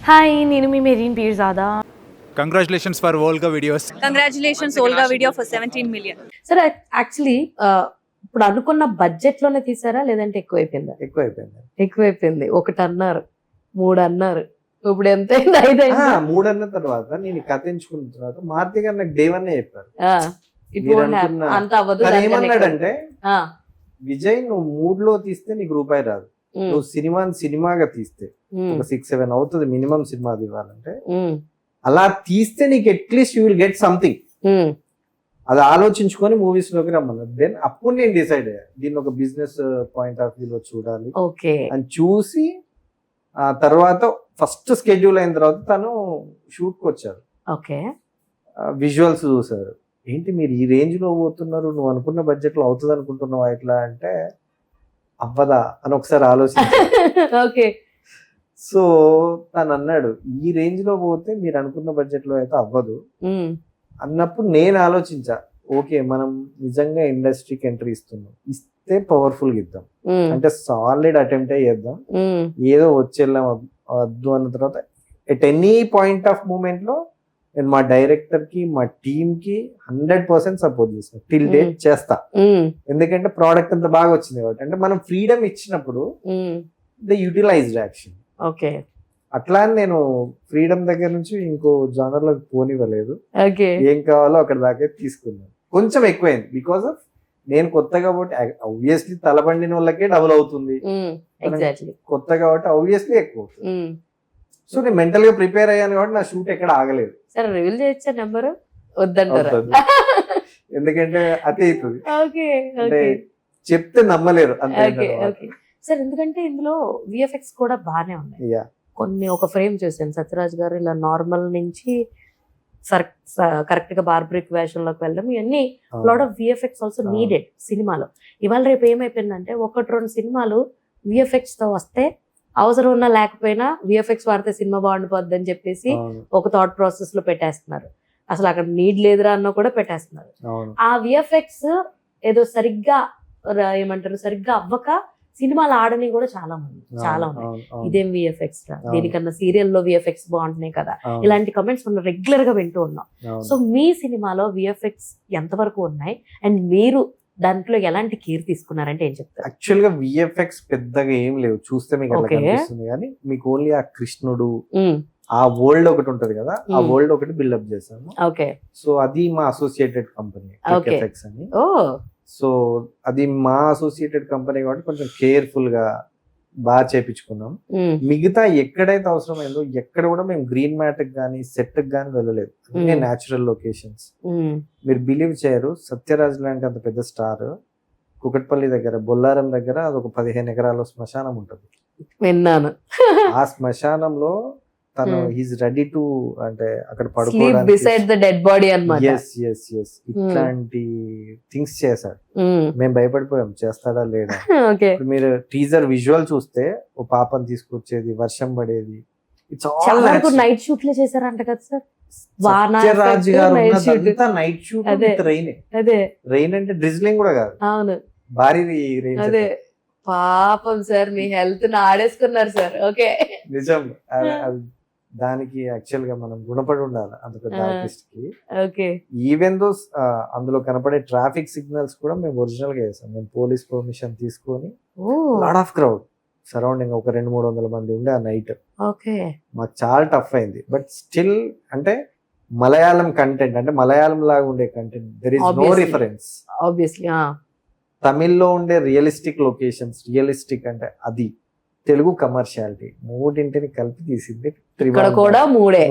Hi, నేను మీ Mereen Peerzada. Congratulations for Volga videos. Congratulations, Olga video for 17 million. Sir actually ఇప్పుడు అనుకున్న బడ్జెట్ లోనే తీసారా లేదంటే ఎక్కువైపోయిందా? ఎక్కువైపోయింది. 1 అన్నారు, 3 అన్నారు, ఇప్పుడు ఎంత అయింది? 5 అయిందా? 3 అన్న తర్వాత నేను కథ ఎంచుకున్న తర్వాత మారుతి గారు నాకు డే 1 చెప్పారు. ఇప్పుడు మీరు అనుకున్న- అంత అవ్వదు. తను దానికన్నా ఏమన్నాడంటే ఆ, విజయ్ నువ్వు 3 లో తీస్తే నీకు రూపాయి రాదు, ఉమ్, నువ్వు సినిమాగా తీస్తే ఉమ్, ఒక 6-7 అవుతుంది మినిమం సినిమా ఇవ్వాలంటే, ఉమ్, అలా తీస్తే నీకు at least you will get something. Um, అది ఆలోచించుకొని మూవీస్ లోకి రమ్మన్నారు. దెన్ అప్పుడు నేను డిసైడ్ అయ్యా దీన్ని ఒక బిజినెస్ పాయింట్ ఆఫ్ వ్యూ లో చూడాలి ఓకే అని చూసి, ఆ తర్వాత ఫస్ట్ స్కెడ్యూల్ అయిన తర్వాత తను షూట్ కి వచ్చారు, ఓకే విజువల్స్ చూసారు. ఏంటి మీరు ఈ రేంజ్ లో పోతున్నారు, నువ్వు అనుకున్న బడ్జెట్ లో అవుతుంది అనుకుంటున్నావు ఎట్లా అంటే, అవ్వదా అని ఒకసారి ఆలోచించారు. ఓకే సో తను అన్నాడు ఈ రేంజ్ లో పోతే మీరు అనుకున్న బడ్జెట్ లో అయితే అవ్వదు ఉమ్, అన్నప్పుడు నేను ఆలోచించా, ఓకే మనం నిజంగా ఇండస్ట్రీకి ఎంట్రీ ఇస్తే పవర్ఫుల్ గా ఇద్దాం, ఉమ్, అంటే సాలిడ్ అటెంప్ట్ చేద్దాం, ఉమ్, ఏదో వచ్చేళ్ళం వద్దు అన్న తర్వాత at any point of moment లో నేను మా డైరెక్టర్ కి మా టీమ్ కి 100% సపోర్ట్ చేస్తాను, టిల్ డేట్ చేస్తా. ఉమ్, ఎందుకంటే ప్రోడక్ట్ అంత బాగా వచ్చింది కాబట్టి. అంటే మనం ఫ్రీడమ్ ఇచ్చినప్పుడు um, the utilised action. Okay అట్లా అని నేను ఫ్రీడమ్ దగ్గర నుంచి ఇంకో జానర్ లో పోనివ్వలేదు, ఓకే ఏం కావాలో అక్కడ దాకా తీసుకున్నాను. కొంచెం ఎక్కువైంది బికాస్ ఆఫ్ నేను కొత్త కాబట్టి, ఆబ్వియస్లీ తలబండిన వాళ్ళకే డబుల్ అవుతుంది, ఎగ్జాక్ట్లీ. కొత్త కాబట్టి ఆబ్వియస్లీ ఎక్కువ అవుతుంది. సో నేను మెంటల్ గా ప్రిపేర్ అయ్యాను కాబట్టి నా షూట్ ఎక్కడ ఆగలేదు. సరే రివీల్ చేయొచ్చా నెంబర్? వద్దంటారా? అవుతుంది. ఎందుకంటే అదే అవుతుంది, ఓకే అంటే ఓకే చెప్తే నమ్మలేరు అంతే. ఓకే ఓకే సార్, ఎందుకంటే ఇందులో విఎఫ్ఎక్స్ కూడా బాగానే ఉన్నాయి. యా కొన్ని ఒక ఫ్రేమ్ చూసాను, సత్యరాజ్ గారు ఇలా నార్మల్ నుంచి కరెక్ట్ గా బార్బరిక్ వేషంలోకి వెళ్ళడం, ఇవన్నీ lot of VFX also needed సినిమాలో. ఇవాళ రేపు ఏమైపోయిందంటే 1-2 సినిమాలు విఎఫ్ఎక్స్ తో వస్తే అవసరం ఉన్నా లేకపోయినా విఎఫ్ఎక్స్ వాడితే సినిమా బాగుండిపోద్ది అని చెప్పేసి ఒక థాట్ ప్రాసెస్ లో పెట్టేస్తున్నారు. అసలు అక్కడ నీడ్ లేదురా అన్న కూడా పెట్టేస్తున్నారు. అవును ఆ విఎఫ్ఎక్స్ ఏదో సరిగ్గా ఏమంటారు సరిగ్గా అవ్వక సినిమాలు ఆడని కూడా చాలా ఉన్నాయి. ఇదేం విఎఫ్ఎక్స్ రా, దీనికన్నా సీరియల్ లో విఎఫ్ఎక్స్ బాగుంటున్నాయి కదా, ఇలాంటి కమెంట్స్ మనం రెగ్యులర్ గా వింటూ ఉన్నాం. సో మీ సినిమాలో విఎఫ్ఎక్స్ ఎంతవరకు ఉన్నాయి అండ్ మీరు దాంట్లో ఎలాంటి కేర్ తీసుకున్నారంటే ఏం చెప్తారు? యాక్చువల్ గా విఎఫ్ఎక్స్ పెద్దగా ఏం లేవు, చూస్తే మీకు అట్లా Okay. కనిపిస్తుంది కానీ మీకు ఓన్లీ ఆ కృష్ణుడు ఆ వరల్డ్ ఒకటి ఉంటది కదా, ఆ వరల్డ్ ఒకటి బిల్డప్ చేశాము. ఓకే సో అది మా అసోసియేటెడ్ కంపెనీ Okay. ఎఫెక్ట్స్ అని. ఓ సో అది మా అసోసియేటెడ్ కంపెనీ కాబట్టి కొంచెం కేర్ఫుల్ గా బాగా చేపించుకున్నాం. మిగతా ఎక్కడైతే అవసరమైందో ఎక్కడ కూడా మేము గ్రీన్ మ్యాట్ కానీ సెట్ కానీ వెళ్ళలేదు, అన్ని న్యాచురల్ లొకేషన్స్. మీరు బిలీవ్ చేయరు, సత్యరాజ్ లాంటి అంత పెద్ద స్టార్ కుకట్పల్లి దగ్గర బొల్లారం దగ్గర అదొక 15 ఎకరాల శ్మశానం ఉంటుంది. విన్నాను. ఆ శ్మశానంలో తను ఈజ్ రెడీ టు, అంటే అక్కడ sleep beside the dead body అన్నమాట. ఇట్లాంటి థింగ్స్ చేశాడు. మేము భయపడిపోయాం చేస్తాడా లేడా. ఓకే ఇప్పుడు మీరు టీజర్ విజువల్ చూస్తే ఓ పాపని తీసుకొచ్చేది, వర్షం పడేది, ఇట్స్ చాలా వరకు ఆల్ నైట్ షూట్ లే చేశారంట కదా సార్. సత్యరాజ్ గారు ఉన్నదంతా నైట్ షూట్ అదే. With rain. అదే రెయిన్ అంటే డ్రిజ్లింగ్ కూడా కాదు, అవును భారీ రెయిన్. అదే పాపం సార్, మీ హెల్త్ ని ఆడేసుకున్నారు సార్. ఓకే నిజం. అది దానికి యాక్చువల్ గా మనం గుణపడి ఉండాలి అంత పెద్ద ఆర్టిస్ట్ కి. ఓకే ఈవెన్ దో అందులో కనపడే ట్రాఫిక్ సిగ్నల్స్ కూడా మేము ఒరిజినల్ గా చేసాం. మేము పోలీస్ పర్మిషన్ తీసుకొని, లాట్ ఆఫ్ క్రౌడ్ సరౌండింగ్ ఒక 200-300 మంది ఉండే ఆ నైట్. ఓకే మాకు చాలా టఫ్ అయింది. బట్ స్టిల్ అంటే మలయాళం కంటెంట్, అంటే మలయాళం లాగా ఉండే content, there is no Obviously. Reference. Obviously తమిళ్లో ఉండే రియలిస్టిక్ లొకేషన్స్, రియలిస్టిక్ అంటే అది, తెలుగు కమర్షియాలిటీ, మూడింటిని కలిపి తీసింది ఇక్కడ కూడా మూడే.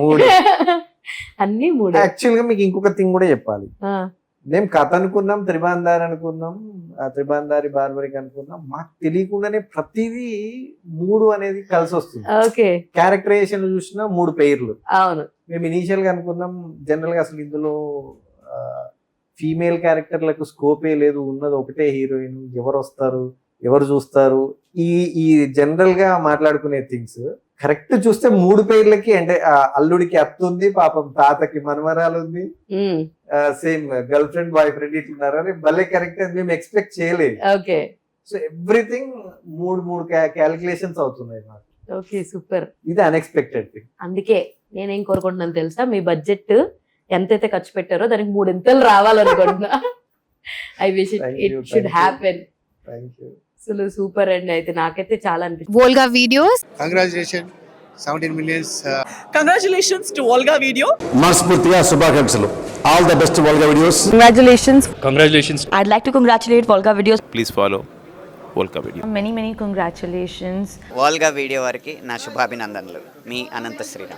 అన్ని మూడే. యాక్చువల్ గా మీకు ఇంకొక థింగ్ కూడా చెప్పాలి. మేము కథ అనుకున్నాం, త్రిబాందారి అనుకున్నాం, త్రిబాందారి బార్బరిక్ అనుకున్నాం. మాకు తెలియకుండానే ప్రతిదీ 3 అనేది కలిసి వస్తుంది. ఓకే క్యారెక్టరైజేషన్ చూసినా 3 పేర్లు. అవును మేము ఇనీషియల్ గా అనుకున్నాం జనరల్ గా అసలు ఇందులో ఫీమేల్ క్యారెక్టర్లకు స్కోపే లేదు, ఉన్నది ఒకటే హీరోయిన్, ఎవరు వస్తారు ఎవరు చూస్తారు, ఈ జనరల్ గా మాట్లాడుకునే థింగ్స్ కరెక్ట్ చూస్తే 3 పేర్లకి, అంటే అల్లుడికి అత్త ఉంది, పాపం తాతకి మనమరాలు ఉంది, same girlfriend boyfriend ఇట్లున్నారు అని భలే కరెక్ట్ అని మేము ఎక్స్పెక్ట్ చేయలేదు. ఓకే సో ఎవ్రీథింగ్ 3 క్యాలిక్యులేషన్స్ అవుతున్నాయి మాకు. Okay super. ఇది అన్ఎక్స్పెక్టెడ్ థింగ్. అందుకే నేనేం కోరుకుంటున్నాను తెలుసా, మీ బడ్జెట్ ఎంతైతే ఖర్చు పెట్టారో దానికి 3 ఇంతలు రావాలనుకుంటున్నా. I wish Thank it you, should thank you. Happen. Thank you. అసలు సూపర్ అండి. అయితే నాకైతే చాలా అనిపించింది. Volga videos. Congratulations, 17 millions. Congratulations to Volga Video. మనస్ఫూర్తిగా శుభాకాంక్షలు. All the best Volga videos. Congratulations. I'd like to congratulate Volga Videos. Please follow Volga Video. Many congratulations. Volga video వారికి నా శుభాభినందనలు. మీ అనంత శ్రీరామ్.